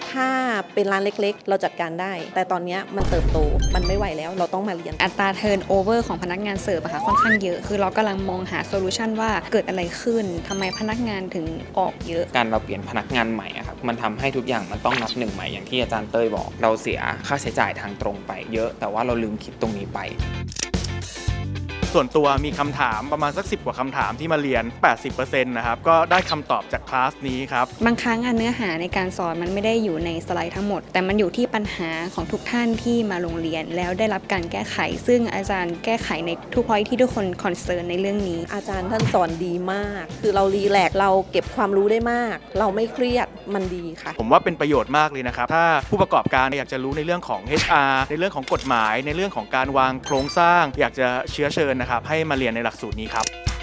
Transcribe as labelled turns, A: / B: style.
A: ถ้าเป็นร้านเล็กๆเราจัดการได้แต่ตอนนี้มันเติบโตมันไม่ไหวแล้วเราต้องมาเรียน
B: อัตราเทิร์นโอเวอร์ของพนักงานเสิร์ฟอะค่ะค่อนข้างเยอะคือเรากำลังมองหาโซลูชันว่าเกิดอะไรขึ้นทำไมพนักงานถึงออกเยอะ
C: การเราเปลี่ยนพนักงานใหม่อะครับมันทำให้ทุกอย่างมันต้องนับหนึ่งใหม่อย่างที่อาจารย์เต้ยบอกเราเสียค่าใช้จ่ายทางตรงไปเยอะแต่ว่าเราลืมคิดตรงนี้ไป
D: ส่วนตัวมีคำถามประมาณสัก10 กว่าคำถามที่มาเรียน 80% นะครับก็ได้คำตอบจากคลาสนี้ครับ
B: บางครั้งเนื้อหาในการสอนมันไม่ได้อยู่ในสไลด์ทั้งหมดแต่มันอยู่ที่ปัญหาของทุกท่านที่มาโรงเรียนแล้วได้รับการแก้ไขซึ่งอาจารย์แก้ไขในทุกพอยที่ทุกคนคอนเซิร์นในเรื่องนี้
A: อาจารย์ท่านสอนดีมากคือเรารีแลกซ์เราเก็บความรู้ได้มากเราไม่เครียดมันดีค่ะ
D: ผมว่าเป็นประโยชน์มากเลยนะครับถ้าผู้ประกอบการอยากจะรู้ในเรื่องของ HR ในเรื่องของกฎหมายในเรื่องของการวางโครงสร้างอยากจะเชื้อเชิญนะครับให้มาเรียนในหลักสูตรนี้ครับ